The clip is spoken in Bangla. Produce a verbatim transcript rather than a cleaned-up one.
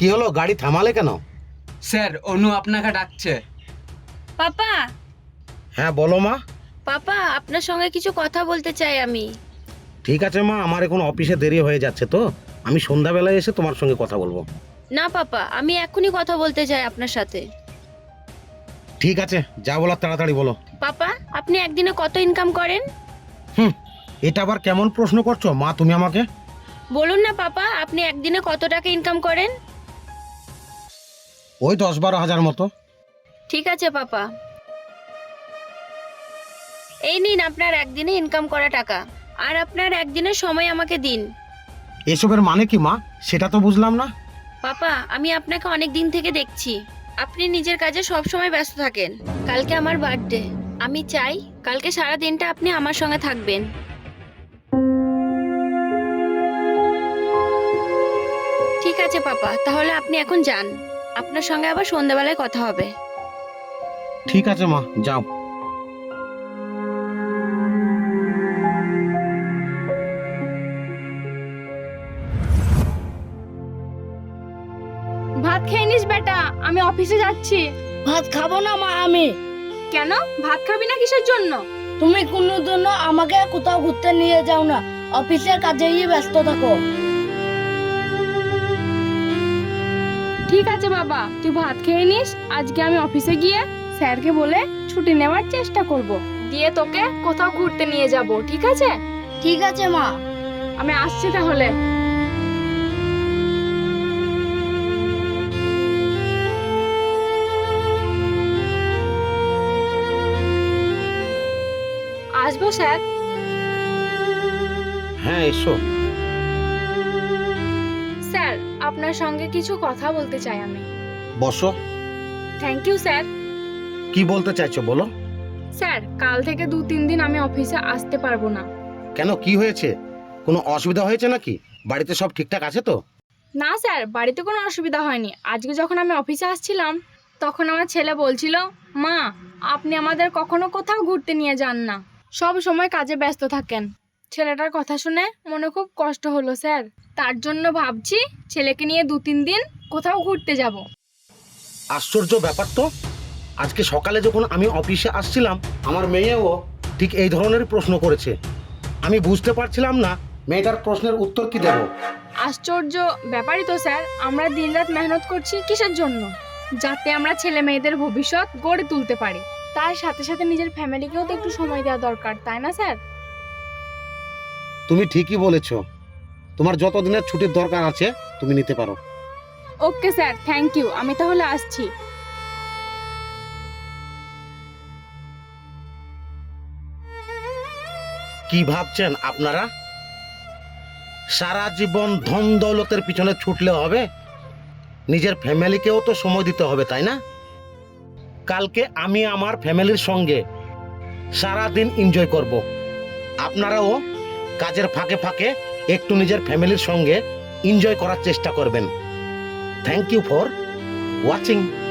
কি হলো, গাড়ি থামালে কেন? স্যার, অনু আপনাকে ডাকছে। পাপা, হ্যাঁ বলো মা। পাপা আপনার সঙ্গে কিছু কথা বলতে চাই আমি। ঠিক আছে মা, আমার এখন অফিসে দেরি হয়ে যাচ্ছে, তো আমি সন্ধ্যাবেলায় এসে তোমার সঙ্গে কথা বলবো। না পাপা, আমি এখনই কথা বলতে চাই আপনার সাথে। ঠিক আছে, যা বলার তাড়াতাড়ি বলো। পাপা, আপনি একদিনে কত ইনকাম করেন? হুম, এটা আবার কেমন প্রশ্ন করছো মা তুমি আমাকে? বলুন না পাপা, আপনি একদিনে কত টাকা ইনকাম করেন? ওই দশ বারো হাজার মতো। ঠিক আছে পাপা, এই নিন আপনার একদিনে ইনকাম করা টাকা, আর আপনার একদিনের সময় আমাকে দিন। এসবের মানে কি মা, সেটা তো বুঝলাম না। পাপা, আমি আপনাকে অনেক দিন থেকে দেখছি, আপনি নিজের কাজে সব সময় ব্যস্ত থাকেন। কালকে আমার বার্থডে, আমি চাই কালকে সারা দিনটা আপনি আমার সঙ্গে থাকবেন। ঠিক আছে পাপা, তাহলে আপনি এখন যান, আপনার সঙ্গে আবার সন্ধ্যাবেলায় কথা হবে। ঠিক আছে মা, যাও। ভাত খেয়ে নিস বেটা, আমি অফিসে যাচ্ছি। ভাত খাবো না মা আমি। কেন, ভাত খাবি না কিসের জন্য? তুমি কোনো জন্য আমাকে কোথাও ঘুরতে নিয়ে যাও না, অফিসের কাজেই ব্যস্ত থাকো। ঠিক আছে বাবা, তুই ভাত খেয়ে নিস। আজকে আমি অফিসে গিয়ে স্যারকে বলে ছুটি নেওয়ার চেষ্টা করব, দিয়ে তোকে কোথাও ঘুরতে নিয়ে যাব, ঠিক আছে? ঠিক আছে মা। আমি আসছি তাহলে। আসবো স্যার? হ্যাঁ এসো। স্যার, আপনার সঙ্গে কিছু কথা বলতে চাই আমি। বসো। Thank you sir. কি বলতে চাইছো বলো। স্যার, কাল থেকে দু তিন দিন আমি অফিসে আসতে পারবো না। কেন, কি হয়েছে? কোনো অসুবিধা হয়েছে নাকি? বাড়িতে সব ঠিকঠাক আছে তো? না স্যার, বাড়িতে কোনো অসুবিধা হয়নি। আজকে যখন আমি অফিসে আসছিলাম তখন আমার ছেলে বলছিল, মা আপনি আমাদের কখনো কোথাও ঘুরতে নিয়ে যান না, সব সময় কাজে ব্যস্ত থাকেন। ছেলেটার কথা শুনে মনে খুব কষ্ট হলো স্যার, তার জন্য ভাবছি ছেলেকে নিয়ে দু তিন দিন কোথাও ঘুরতে যাব। আশ্চর্য ব্যাপার তো, আজকে সকালে যখন আমি অফিসে আসছিলাম আমার মেয়েও ঠিক এই ধরনের প্রশ্ন করেছে। আমি বুঝতে পারছিলাম না মেয়েটার প্রশ্নের উত্তর কি দেব। আশ্চর্য ব্যাপারই তো স্যার, আমরা দিনরাত মেহনত করছি কিসের জন্য? যাতে আমরা ছেলে মেয়েদের ভবিষ্যৎ গড়ে তুলতে পারি। তার সাথে সাথে নিজের ফ্যামিলিকেও তো একটু সময় দেওয়া দরকার, তাই না স্যার? তুমি ঠিকই বলেছো, তোমার যত দিনের ছুটির দরকার আছে তুমি নিতে পারো। Okay sir, thank you. আমি তাহলে আসছি। কি ভাবছেন আপনারা? সারা জীবন ধন দৌলতের পিছনে ছুটলে হবে? নিজের ফ্যামিলিকেও তো সময় দিতে হবে, তাই না? কালকে আমি আমার ফ্যামিলির সঙ্গে সারা দিন এনজয় করব। আপনারাও কাজের ফাঁকে ফাঁকে একটু নিজের ফ্যামিলির সঙ্গে এনজয় করার চেষ্টা করবেন। Thank you for watching.